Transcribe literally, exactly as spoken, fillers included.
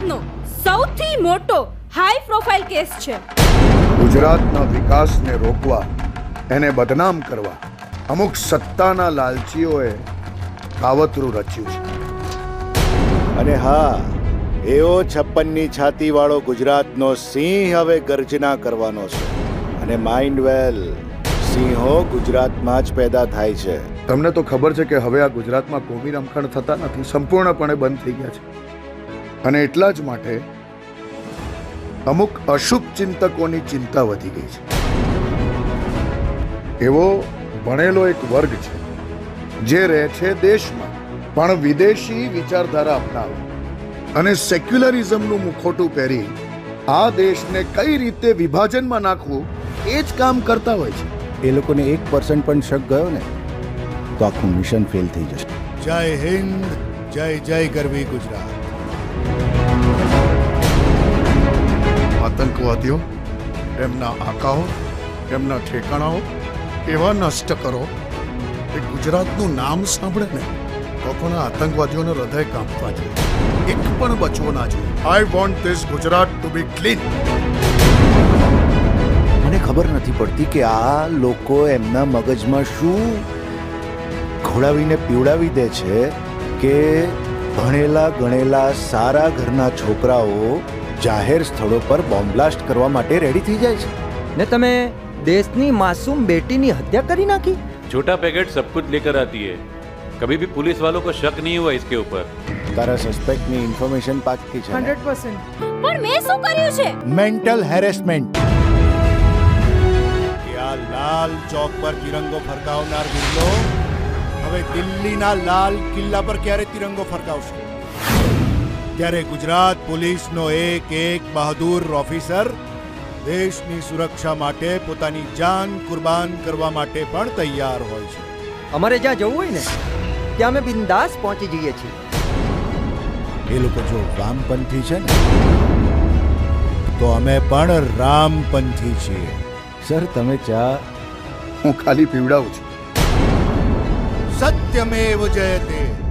ગુજરાતનો સૌથી મોટો હાઈ પ્રોફાઇલ કેસ છે. ગુજરાતના વિકાસને રોકવા, એને બદનામ કરવા અમુક સત્તાના લાલચીઓએ કાવતરું રચ્યું છે. અને હા, એવો છપ્પનની છાતી વાળો ગુજરાતનો સિંહ હવે ગર્જના કરવાનો છે. અને માઇન્ડ વેલ, સિંહો ગુજરાતમાં જ પેદા થાય છે. તમને તો ખબર છે કે હવે આ ગુજરાતમાં કોમી રમખાણ થતા નથી, સંપૂર્ણપણે બંધ થઈ ગયા છે. અને એટલા જ માટે અમુક અશુભ ચિંતકોની ચિંતા વધી ગઈ છે. એવો ભણેલો એક વર્ગ છે જે રહે છે દેશમાં પણ વિદેશી વિચારધારા અપનાવે અને સેક્યુલરિઝમનું મુખોટું પહેરી આ દેશને કઈ રીતે વિભાજનમાં નાખવું એ જ કામ કરતા હોય છે. એ લોકોને એક પર્સન્ટ પણ શક ગયો ને તો આખું મિશન ફેલ થઈ જશે. જય હિન્દ, જય જય ગરવી ગુજરાત. આતંકવાદીઓ, એમના આકાઓ, એમના ઠેકાણાઓ એવા નષ્ટ કરો કે ગુજરાતનું નામ સાંભળે ને તો પણ આતંકવાદીઓનું હૃદય કાંપવા જોઈએ. એક પણ બચવો ના જોઈએ. I want this Gujarat to be clean. મને ખબર નથી પડતી કે આ લોકો એમના મગજમાં શું ખોડાવીને પીવડાવી દે છે કે ભણેલા ગણેલા સારા ઘરના છોકરાઓ જાહેર સ્થળો પર બોમ્બ બ્લાસ્ટ કરવા માટે રેડી થઈ જાય છે. ને તમે દેશની માसूम बेटी हत्या करी नाखी. छोटा पैकेट सब कुछ लेकर आती है. कभी भी पुलिस वालों को शक नहीं हुआ इसके ऊपर. તારા સસ્પેક્ટ ની ઇન્ફોર્મેશન પાકી છે. Hundred percent. પણ મેં શું કર્યું છે? Mental harassment. આ લાલ ચોક પર તિરંગો ફરકાવનાર બિરલો હવે દિલ્હીના લાલ કિલ્લા પર ક્યારે તિરંગો ફરકાવશે? ત્યારે ગુજરાત પોલીસનો એક એક બહાદુર ઓફિસર દેશની સુરક્ષા માટે પોતાની જાન કુરબાન કરવા માટે પણ તૈયાર હોય છે. અમારે જ્યાં જવું હોય ને ત્યાં અમે બિંદાસ પહોંચી જઈએ છીએ. એ લોકો જો વામપંથી છે ને તો અમે પણ રામપંથી છીએ. સર, તમે ચા? હું ખાલી પીવડાવું છું. સત્યમેવ જયતે.